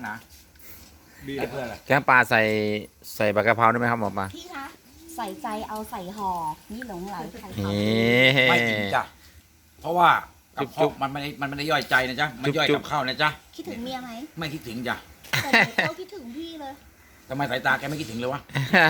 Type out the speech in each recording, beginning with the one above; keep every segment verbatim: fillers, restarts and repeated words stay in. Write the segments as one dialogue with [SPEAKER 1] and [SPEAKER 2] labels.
[SPEAKER 1] หนาบีเพื่ออะไร
[SPEAKER 2] แกงปลาใส่ใส่ใบกะเพราได้ไหมครับหมอปลา
[SPEAKER 3] พี่คะใส่ใจเอาใส่ห่อนี่หลงไหลใคร
[SPEAKER 2] นี่
[SPEAKER 3] เขา
[SPEAKER 1] ไม่จริงจ้ะเพราะว่ากับ
[SPEAKER 2] จุ๊บ
[SPEAKER 1] ข้าวมันไม่ได้มันไม่ได้ย่อยใจนะจ๊ะมันย่อย
[SPEAKER 2] จุ๊
[SPEAKER 1] กั
[SPEAKER 2] บบ
[SPEAKER 1] ข้าวนะจ๊ะ
[SPEAKER 3] คิดถึงเมียไหม
[SPEAKER 1] ไม่คิดถึงจ้ะ
[SPEAKER 3] แต่หนูเขาคิดถึงพี่เลย
[SPEAKER 1] ทำไมสายตาแกไม่คิดถึงเลยวะ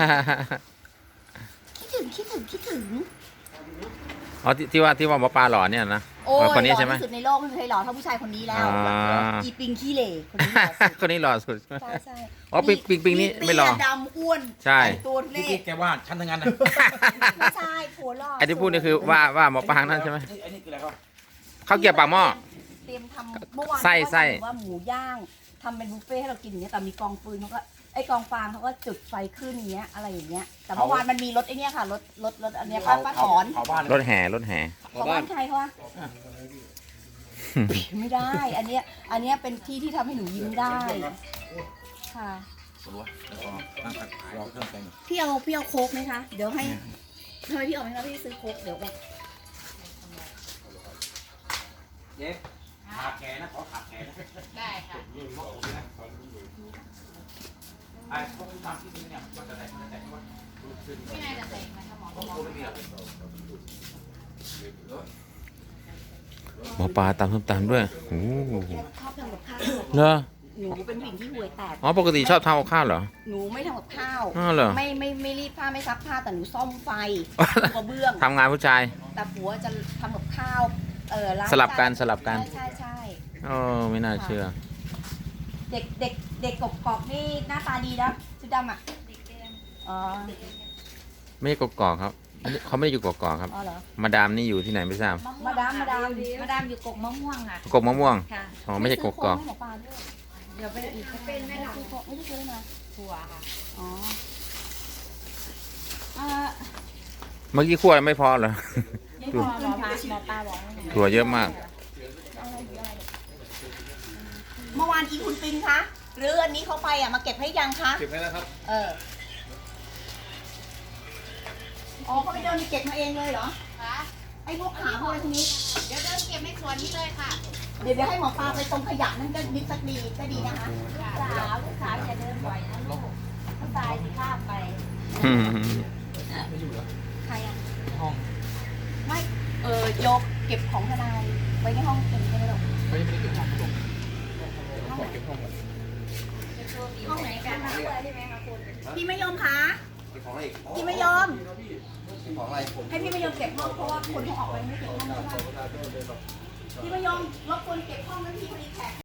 [SPEAKER 3] คิดถึงคิดถึงคิดถึง
[SPEAKER 2] อ๋อที่ที่ว่าที่ว่าหมอปลาหล่อเนี่ยนะ
[SPEAKER 3] โอ้ย
[SPEAKER 2] คนนี้
[SPEAKER 3] หล่อ
[SPEAKER 2] ใช่ไหม
[SPEAKER 3] ที่สุดในโลกไม่เคยหล่อเท่าผู้ชายคนนี้แล้ว
[SPEAKER 2] อ่า
[SPEAKER 3] อีปิงขี้เหร่คนนี้หล่อสุด
[SPEAKER 2] คนนี้หล่อสุด
[SPEAKER 3] ใช่ใช่
[SPEAKER 2] อ๋อปิงปิงปิงนี่ไม่หล่อ
[SPEAKER 3] เตี้ยดำอ้วน
[SPEAKER 2] ใช่
[SPEAKER 3] แต่งตัวทุเล่
[SPEAKER 1] ที่แกว่าฉันทั้งนั้นนะ
[SPEAKER 3] ไม่ใช่ผัวหล่อ
[SPEAKER 2] ไอ้ที่พูดนี่คือว่าว่าหมอปลานั่นใช่ไหม
[SPEAKER 1] ไอ้นี่คืออะไรครับ
[SPEAKER 2] ข้าวเกรี๊ยวปากหม้อ
[SPEAKER 3] เตรียมทำเมื่อวาน
[SPEAKER 2] ไส้ไส้
[SPEAKER 3] เขาว่าหมูย่างทำเป็นบุฟเฟ่ต์ให้เรากินอย่างเงี้ยแต่มีกองฟืนเขาก็ไอ้กองฟางเขาก็จุดไฟขึ้นอย่างเงี้ยอะไรอย่างเงี้ยแต่เมื่อวานมันมีรถไอ้เนี้ยค่ะรถรถรถอันเนี้ยป้าป้าถอน
[SPEAKER 1] เผาบ้านเลย
[SPEAKER 2] รถแห่รถแห่
[SPEAKER 3] เขาบ้านใครเขาวะไม่ได้ อันเนี้ยอันเนี้ยเป็นที่ที่ทำให้หนูยิ้มได้ค่ะ
[SPEAKER 1] ปวดหัวแล้วก็นั่งพักรอเครื่องแกงอยู่
[SPEAKER 3] พี่เอาพี่เอาโค้กไหมคะเดี๋ยวให้ทำไมพี่เอาไหมคะพี่ซื้อโค้กเดี๋ยวแบบ
[SPEAKER 1] เย้ขาแขนนะขอขาแขนนะ
[SPEAKER 4] ได้ค่ะ
[SPEAKER 1] ไอ้พวกที่ทำที่นี่เนี่ยมันจะได้มันจะได้ว่า
[SPEAKER 4] พี่นายจะใส่ไหมคะหมอ
[SPEAKER 1] ต้องโทรไม่มีหรอก
[SPEAKER 2] หมอปลาตำส้มตำด้วยโอ้โห
[SPEAKER 3] ชอบทำกับข้าว
[SPEAKER 2] เหรอ
[SPEAKER 3] หนูเป็นผู้หญิงที่ห่วยแตก
[SPEAKER 2] อ๋อปกติชอบทำกับข้าวเหรอ
[SPEAKER 3] หนูไม่ทำกับข้าว
[SPEAKER 2] อ้าวเหรอ
[SPEAKER 3] ไม่ไม่ไม่รีดผ้าไม่ซักผ้าแต่หนูซ่อมไฟกระเบื้อง
[SPEAKER 2] ทำงานผู้ชาย
[SPEAKER 3] แต่ผัวจะทำกับข้าวเออล้าง
[SPEAKER 2] สลับกัน
[SPEAKER 3] จา
[SPEAKER 2] สลับกัน
[SPEAKER 3] ใช่ใช่ใช่
[SPEAKER 2] โอ้ไม่น่าเชื่อ
[SPEAKER 3] เด็กเด็กเด็กกบกอกนี่หน้าตาดีนะชุดดำอ่ะอ๋อ
[SPEAKER 2] ไม่ใช่กกอกครับอันนี้เขาไม่ได้อยู่กกอกครับ
[SPEAKER 3] อ๋อเหรอ
[SPEAKER 2] มาดามนี่อยู่ที่ไหนไม่ทราบ
[SPEAKER 3] มาดามมาดาม
[SPEAKER 4] มาดามอยู่กกมะม่วงค่ะ
[SPEAKER 2] กกมะม่วง
[SPEAKER 4] ค่ะ
[SPEAKER 2] อ๋อไม่ใช่กกอก
[SPEAKER 3] ซื้โค้ให้หมอปลาด้วย
[SPEAKER 4] เดี๋ยวไปอีกจะเป็นแม่หลัง
[SPEAKER 3] ซื้อโค้กไม่ได้ซื้อนะ
[SPEAKER 4] ถั่วค่ะ
[SPEAKER 3] อ๋ออ่า
[SPEAKER 2] เมื่อกี้คั่วไม่พอเหรอ
[SPEAKER 3] ไม่พอหมอปลาหมอปลาบอกให้หนู
[SPEAKER 2] ถั่วเยอะมาก
[SPEAKER 3] เมื่อวานอีคุณปิงคะหรืออันนี้เขาไปอ่ะมาเก็บให้ยังคะ
[SPEAKER 1] เก็บไว้แล้วครับ
[SPEAKER 3] เอออ๋อเขาไปเดินเก็บมาเองเลยเหรอ
[SPEAKER 4] ค่ะ
[SPEAKER 3] ไอ้พวกขาพวกอะไรพวกนี้
[SPEAKER 4] เดี๋ยวเดินเก็บในสวนนี้เลยค่ะ
[SPEAKER 3] เดี๋ยวเดี๋ยวให้หมอปลาไปตรงขยะนั่นก็นิดสักดีก็ดีนะคะ
[SPEAKER 4] สาวลูกสาวอย่าเดินบ่อยนะลูกถ้าตายสิข้ามไป
[SPEAKER 3] ใครอ่ะ
[SPEAKER 1] ห้อง
[SPEAKER 3] ไม่เออโยกเก็บของทนายไว้ในห้องเก็บใช่ไหมลูก
[SPEAKER 1] ไม่ได้เก็บห้องครับผม
[SPEAKER 3] ห้องไหน
[SPEAKER 1] เก็บห้องก่อน
[SPEAKER 3] ห้องไหนกันคะพี่ไม่ยอมคะ
[SPEAKER 1] เก็บของอะไรอีก
[SPEAKER 3] พี่ไม่ยอม
[SPEAKER 1] เก็บของอะไร
[SPEAKER 3] ให้พี่ไม่ยอมเก็บห้องเพราะว่าคนเขาออกไปไม่เก็บห้องใช่ไหมพี่ไม่ยอมรบกวนเก็บห้องนั้นพี่พอดีแขก